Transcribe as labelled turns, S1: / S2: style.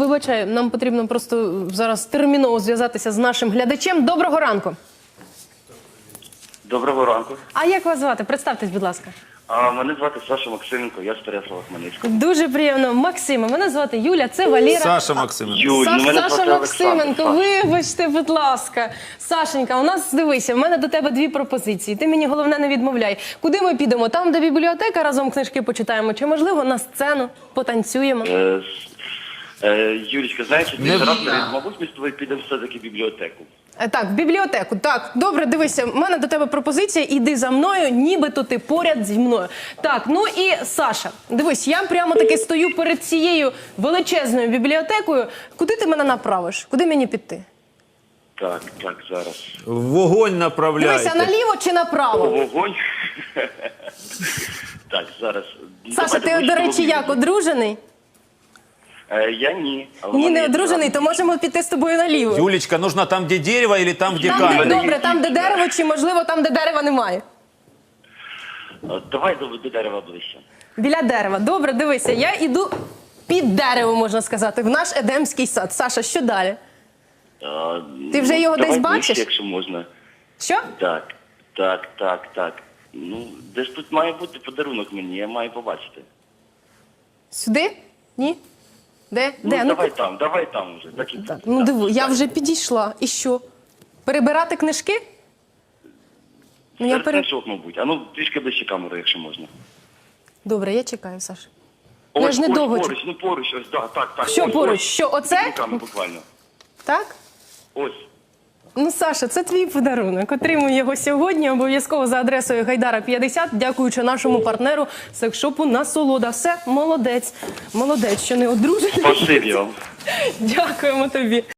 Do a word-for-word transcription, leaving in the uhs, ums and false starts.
S1: Вибачай, нам потрібно просто зараз терміново зв'язатися з нашим глядачем. Доброго ранку.
S2: Доброго ранку.
S1: А як вас звати? Представтесь, будь ласка.
S2: А мене звати Саша Максименко, я з Переяслава-Хмельницького.
S1: Дуже приємно. Максима. Мене звати Юля, це Валера.
S3: Саша Максименко.
S2: Юль,
S1: Саш,
S2: ну мене
S1: Саша
S2: звати
S1: Максименко,
S2: Олександр.
S1: вибачте, будь ласка. Сашенька, у нас, дивися, в мене до тебе дві пропозиції. Ти мені, головне, не відмовляй. Куди ми підемо? Там, де бібліотека, разом книжки почитаємо? Чи, можливо, на сцену потанцюємо?
S2: Е, с- е, Юлічка, знаєш,
S3: Не
S2: ти раз,
S3: вміна.
S2: мабуть, ми з тобою підемо все-таки в бібліотеку.
S1: Е, Так, в бібліотеку. Так, добре, дивися, в мене до тебе пропозиція, іди за мною, нібито ти поряд зі мною. Так, ну і Саша, дивись, я прямо таки стою перед цією величезною бібліотекою. Куди ти мене направиш? Куди мені піти?
S2: Так, так, зараз.
S3: Вогонь направляйте.
S1: Дивися, наліво чи
S2: О,
S1: направо?
S2: вогонь. Так, зараз.
S1: Саша,
S2: Давайте
S1: ти, до речі,
S2: вийдемо.
S1: як, одружений?
S2: Е, Я ні. А в
S1: Ні,
S2: мене
S1: не
S2: є
S1: одружений, то можемо піти з тобою наліво.
S3: Юлечка, нужно там, где дерево, или там, где
S1: Там, де,
S3: камень?
S1: добре, там, де дерево, чи, можливо, там, де дерева немає?
S2: Е, Давай до, до дерева ближче.
S1: Біля дерева. Добре, дивися, я іду під дерево, можна сказати, в наш Едемський сад. Саша, що далі?
S2: Е,
S1: Ти вже
S2: ну,
S1: його
S2: давай
S1: десь
S2: ближче,
S1: бачиш?
S2: якщо можна.
S1: Що?
S2: Так, так, так, так. Ну, десь тут має бути подарунок мені, я маю побачити.
S1: Сюди? Ні? Де?
S2: Ну,
S1: Де?
S2: давай там, давай там вже. Так, і
S1: Так,
S2: буде.
S1: ну
S2: Так,
S1: диви, я
S2: так.
S1: вже підійшла. І що? Перебирати книжки? Ну, я
S2: Серед
S1: пере...
S2: книжок, мабуть. А ну, трішки ближче камеру, якщо можна.
S1: Добре, я чекаю, Саш. Ну, я
S2: Ось,
S1: ж не
S2: ось,
S1: довго.
S2: поруч, ну поруч, ось, так, так, так.
S1: Що
S2: ось,
S1: поруч?
S2: ось.
S1: Що, оце?
S2: Під руками буквально.
S1: Так?
S2: Ось.
S1: Ну, Саша, це твій подарунок. Отримуй його сьогодні, обов'язково за адресою Гайдара п'ятдесят, дякуючи нашому партнеру секшопу «Насолода». Все, молодець. Молодець, що не одружений.
S2: Спасибі вам.
S1: Дякуємо тобі.